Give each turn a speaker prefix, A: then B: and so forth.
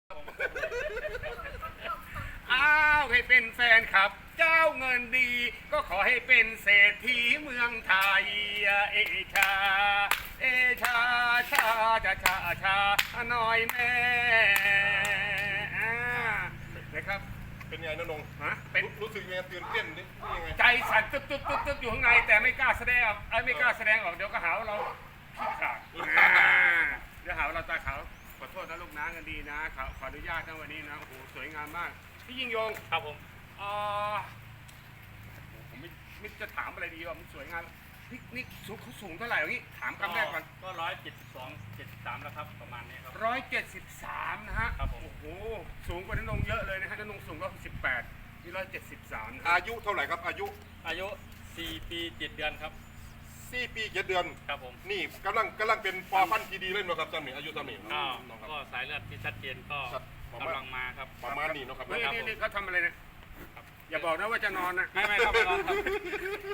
A: อ้าวให้เป็นแฟนครับเจ้าเงินดีก็ขอให้เป็นเศรษฐีเมืองไทยเอชาเอชาชาชาชาชาหน่อยแม่นะครับ
B: เป็นไงนะนง
A: ฮะเป็น
B: รู้สึกยังไงตื่นเต้นนี่ยังไง
A: ใจสั่นตึ๊บตึ๊บตึ๊บตึ๊บอยู่ข้างในแต่ไม่กล้าแสดงออกไม่กล้าแสดงออกเดี๋ยวก็หาว่าเราขี้ขลาดเดี๋ยวหาว่าเราตาขาวขอโทษนะลูกนะกันดีนะขออนุญาตนะวันนี้นะโอ้โหสวยงามมากพี่ยิ่งยง
C: ครับผม
A: ผมไม่จะถามอะไรดีว่ามันสวยงามนี่เขาสูงเท่าไหร่อย่างนี้ถามคำแรกก่อน
C: ก็172-173แล้วครับประมาณนี้ครับ
A: 173นะฮะ
C: ครับผม
A: โอ้โหสูงกว่าน้นงเยอะเลยนะฮะน้นงสูง118นี่173
B: อายุเท่าไหร่ครับอายุ
C: 4 ปี7 เดือนครับ
B: 4 ปี 7 เดือน
C: ครับผม
B: นี่กำลังเป็นปอพันธุ์ที่ดีเลยนะครับท่านนี่อายุท่านนี่
C: ก็สายเลือดที่ชัดเจนก็กำลังมาครับ
B: ประมาณนี้นะครับ
A: นี่เขาทำอะไรเนี่ยอย่าบอกนะว่าจะนอนนะ
C: ไม่ครับไม่นอนครับ